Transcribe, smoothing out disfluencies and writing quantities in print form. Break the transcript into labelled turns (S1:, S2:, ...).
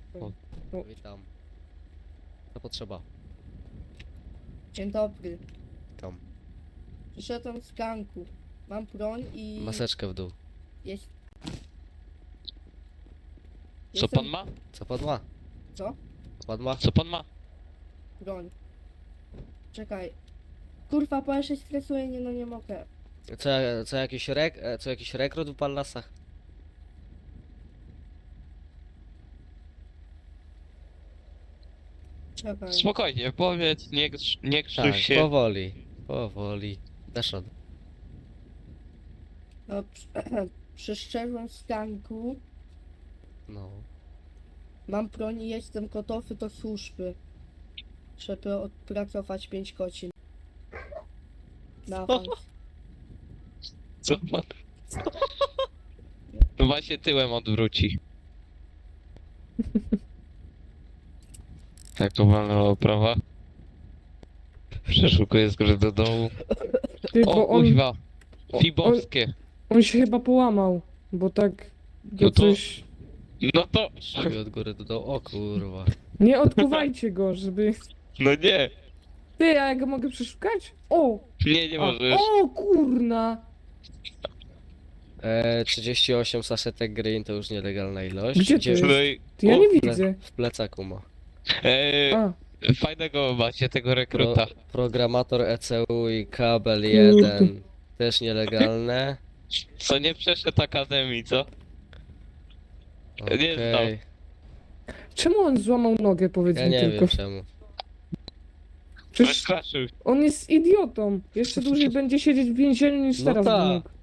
S1: Witam. Co potrzeba?
S2: Dzień dobry.
S1: Tam.
S2: Przyszedłem z ganku. Mam broń i...
S1: Maseczkę w dół.
S2: Jest...
S3: Co pan ma?
S1: Co pan ma?
S2: Co?
S1: Co pan ma?
S3: Co pan ma?
S2: Broń. Czekaj. Kurwa, bo ja się stresuję, nie mogę.
S1: Co jakiś rekrut w pan lasach?
S2: Czekaj.
S3: Spokojnie, powiedz, nie krzyw
S1: Tak,
S3: się.
S1: powoli. Powoli. Dasz radę.
S2: No, przyszedłem z ganku.
S1: No.
S2: Mam broń i jestem gotowy do służby. Żeby odpracować 5 godzin. Na awans.
S3: Co pan? No właśnie tyłem odwróci. Tak, obalna oprawa. Przeszukuję z góry do dołu.
S4: Ty,
S3: O,
S4: bo on,
S3: kuźwa. Fibowskie.
S4: on się chyba połamał, bo tak go
S3: No to-
S4: coś...
S3: No to...
S1: Szyj od góry do dołu. O kurwa.
S4: Nie odkuwajcie go, żeby...
S3: No nie.
S4: Ty, a ja go mogę przeszukać? O!
S3: Nie
S4: A,
S3: możesz.
S4: o, kurna!
S1: 38 saszetek green to już nielegalna ilość.
S4: Gdzie to jest?
S3: No i...
S4: Ty, ja
S3: O,
S4: nie widzę.
S1: W plecaku ma.
S4: A,
S3: Fajnego macie tego rekruta.
S1: Programator ECU i kabel
S4: Kurde.
S1: 1. Też nielegalne.
S3: Co nie przeszedł akademii, co? Nie znam.
S1: Okej.
S4: czemu on złamał nogę, powiedz
S1: Ja
S4: mi
S1: nie
S4: tylko?
S1: wiem czemu.
S4: Przecież
S3: Przestraszył.
S4: on jest idiotą. Jeszcze dłużej będzie siedzieć w więzieniu niż
S1: No
S4: teraz
S1: tak.
S4: by mógł.